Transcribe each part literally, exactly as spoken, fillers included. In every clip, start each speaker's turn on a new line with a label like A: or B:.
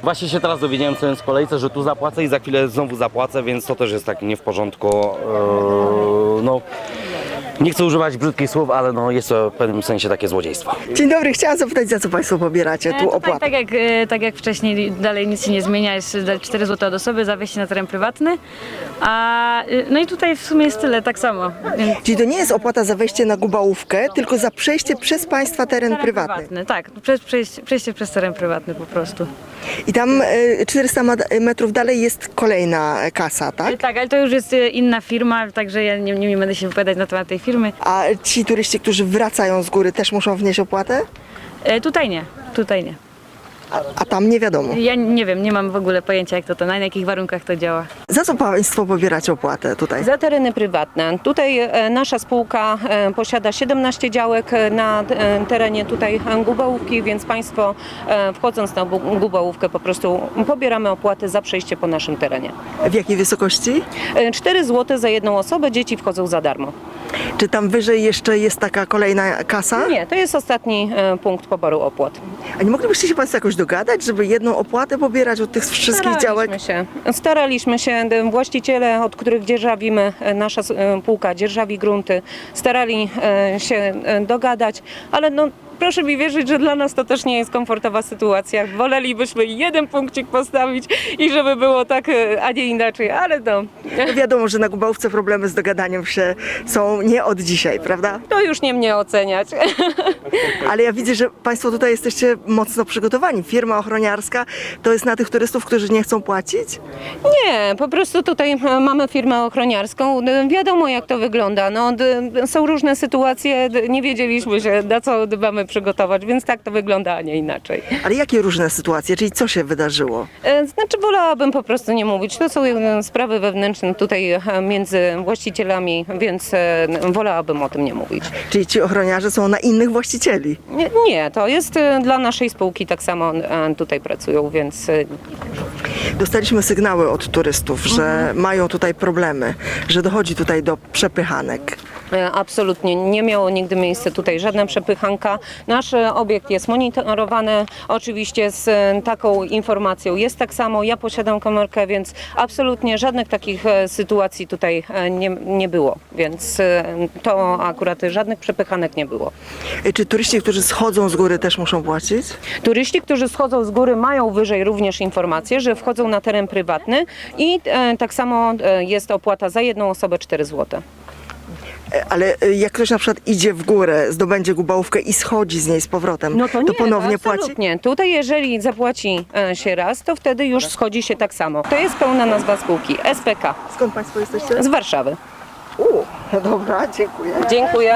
A: Właśnie się teraz dowiedziałem, co jest w kolejce, że tu zapłacę i za chwilę znowu zapłacę, więc to też jest tak nie w porządku. Eee, no, nie chcę używać brzydkich słów, ale no, jest to w pewnym sensie takie złodziejstwo.
B: Dzień dobry, chciałam zapytać, za co Państwo pobieracie tu
C: Tutaj,
B: opłatę?
C: tak, jak, e, tak jak wcześniej, dalej nic się nie zmienia, jest cztery złote od osoby za wejście na teren prywatny. A, e, no i tutaj w sumie jest tyle, tak samo. Więc
B: Czyli to nie jest opłata za wejście na Gubałówkę, tylko za przejście przez Państwa teren
C: teren
B: prywatny.
C: Tak, przez, przejście, przejście przez teren prywatny po prostu.
B: I tam e, czterysta ma- metrów dalej jest kolejna kasa, tak?
C: Tak, ale to już jest e, inna firma, także ja nie, nie będę się wypowiadać na temat tej firmy.
B: A ci turyści, którzy wracają z góry, też muszą wnieść opłatę?
C: E, tutaj nie, tutaj nie.
B: A, a tam nie wiadomo.
C: Ja nie wiem, nie mam w ogóle pojęcia jak to, to na jakich warunkach to działa.
B: Za co Państwo pobieracie opłatę tutaj?
D: Za tereny prywatne. Tutaj e, nasza spółka e, posiada siedemnaście działek e, na e, terenie tutaj e, Gubałówki, więc Państwo e, wchodząc na Bu- Gubałówkę po prostu pobieramy opłatę za przejście po naszym terenie.
B: W jakiej wysokości?
D: E, cztery złote za jedną osobę, dzieci wchodzą za darmo.
B: Czy tam wyżej jeszcze jest taka kolejna kasa?
D: Nie, to jest ostatni e, punkt poboru opłat.
B: A nie moglibyście się Państwo jakoś dogadać, żeby jedną opłatę pobierać od tych wszystkich działek?
D: Staraliśmy się. Staraliśmy się. Właściciele, od których dzierżawimy, e, nasza e, spółka dzierżawi grunty, starali e, się e, dogadać, ale no proszę mi wierzyć, że dla nas to też nie jest komfortowa sytuacja. Wolelibyśmy jeden punkcik postawić i żeby było tak, e, a nie inaczej, ale no,
B: No wiadomo, że na Gubałówce problemy z dogadaniem się są nie od dzisiaj, prawda?
D: to już nie mnie oceniać.
B: Ale ja widzę, że Państwo tutaj jesteście mocno przygotowani. Firma ochroniarska to jest na tych turystów, którzy nie chcą płacić?
D: Nie, po prostu tutaj e, mamy firmę ochroniarską. D- Wiadomo jak to wygląda. No, d- są różne sytuacje, d- nie wiedzieliśmy się na co d- mamy przygotować, więc tak to wygląda, a nie inaczej.
B: Ale jakie różne sytuacje? Czyli co się wydarzyło?
D: E, Znaczy wolałabym po prostu nie mówić. To są e, sprawy wewnętrzne tutaj e, między właścicielami, więc e, wolałabym o tym nie mówić.
B: Czyli ci ochroniarze są na innych właścicieli?
D: Nie, nie, to jest e, dla naszej spółki tak samo e, tutaj pracują, więc e,
B: Dostaliśmy sygnały od turystów, że mają tutaj problemy, że dochodzi tutaj do przepychanek.
D: E, Absolutnie nie miało nigdy miejsca tutaj żadna przepychanka. Nasz e, obiekt jest monitorowany oczywiście z e, taką informacją. Jest tak samo, ja posiadam komórkę, więc absolutnie żadnych takich e, sytuacji tutaj e, nie, nie było. Więc e, to akurat żadnych przepychanek nie było.
B: Y, Czy turyści, którzy schodzą z góry, też muszą płacić?
D: Turyści, którzy schodzą z góry, mają wyżej również informację, że wchodzą na teren prywatny i e, tak samo e, jest opłata za jedną osobę cztery złote.
B: Y, Ale y, jak ktoś na przykład idzie w górę, zdobędzie Gubałówkę i schodzi z niej z powrotem,
D: No to, nie,
B: ponownie
D: to
B: płaci?
D: absolutnie. Tutaj jeżeli zapłaci e, się raz, to wtedy już schodzi się tak samo. To jest pełna nazwa spółki, S P K
B: Skąd Państwo jesteście?
D: z Warszawy.
B: U, no dobra, dziękuję.
D: Dziękuję.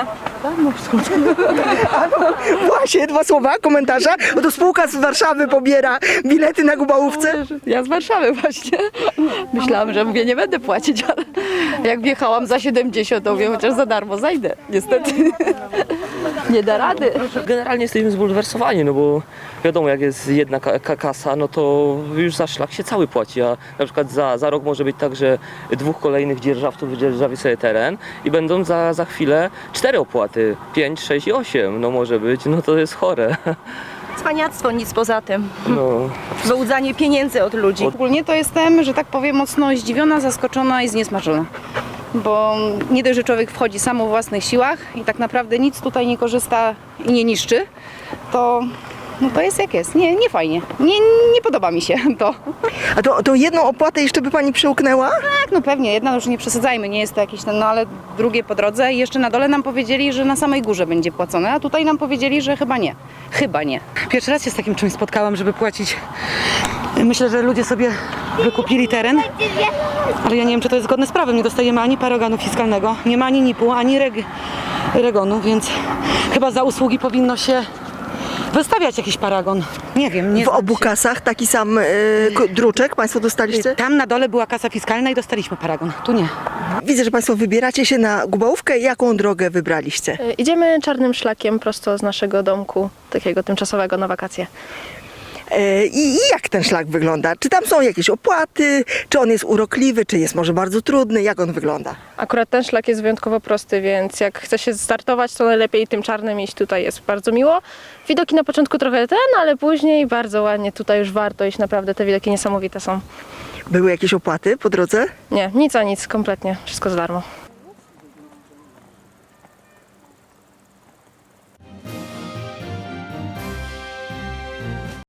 B: Właśnie, dwa słowa, komentarza. Oto spółka z Warszawy pobiera bilety na Gubałówce.
E: Ja z Warszawy właśnie. Myślałam, że mówię, nie będę płacić, ale jak wjechałam za siedemdziesiąt, to mówię, chociaż za darmo zajdę. Niestety nie da rady.
F: Generalnie jesteśmy zbulwersowani, no bo wiadomo, jak jest jedna ka- ka- kasa, no to już za szlak się cały płaci, a na przykład za, za rok może być tak, że dwóch kolejnych dzierżawców wydzierżawi sobie teren i będą za, za chwilę cztery opłaty, pięć, sześć i osiem, no może być, no to jest chore.
G: Cwaniactwo, nic poza tym.
F: No.
G: Wyłudzanie pieniędzy od ludzi.
E: Ogólnie to jestem, że tak powiem, mocno zdziwiona, zaskoczona i zniesmaczona. Bo nie dość, że człowiek wchodzi sam o własnych siłach i tak naprawdę nic tutaj nie korzysta i nie niszczy, to, no to jest jak jest. Nie, nie fajnie. Nie, nie podoba mi się to.
B: A to, to jedną opłatę jeszcze by Pani przełknęła?
E: Tak, no pewnie, jedna już nie przesadzajmy, nie jest to jakiś ten, no ale drugie po drodze i jeszcze na dole nam powiedzieli, że na samej górze będzie płacone, a tutaj nam powiedzieli, że chyba nie. Chyba nie.
H: Pierwszy raz się z takim czymś spotkałam, żeby płacić. Myślę, że ludzie sobie wykupili teren, ale ja nie wiem, czy to jest zgodne z prawem. Nie dostajemy ani paragonu fiskalnego, nie ma ani N I P-u, ani reg regonu, więc chyba za usługi powinno się wystawiać jakiś paragon. Nie wiem, nie
B: W
H: znam
B: obu
H: się.
B: kasach taki sam y, k- druczek Państwo dostaliście?
H: Tam na dole była kasa fiskalna i dostaliśmy paragon. Tu nie.
B: Widzę, że Państwo wybieracie się na Gubałówkę. Jaką drogę wybraliście?
G: Idziemy czarnym szlakiem prosto z naszego domku, takiego tymczasowego na wakacje.
B: E, I, I jak ten szlak wygląda? Czy tam są jakieś opłaty? Czy on jest urokliwy? Czy jest może bardzo trudny? Jak on wygląda?
I: Akurat ten szlak jest wyjątkowo prosty, więc jak chce się startować, to najlepiej tym czarnym iść. Tutaj jest bardzo miło. Widoki na początku trochę ten, ale później bardzo ładnie. Tutaj już warto iść, naprawdę te widoki niesamowite są.
B: Były jakieś opłaty po drodze?
I: Nie, nic a nic, kompletnie. Wszystko za darmo.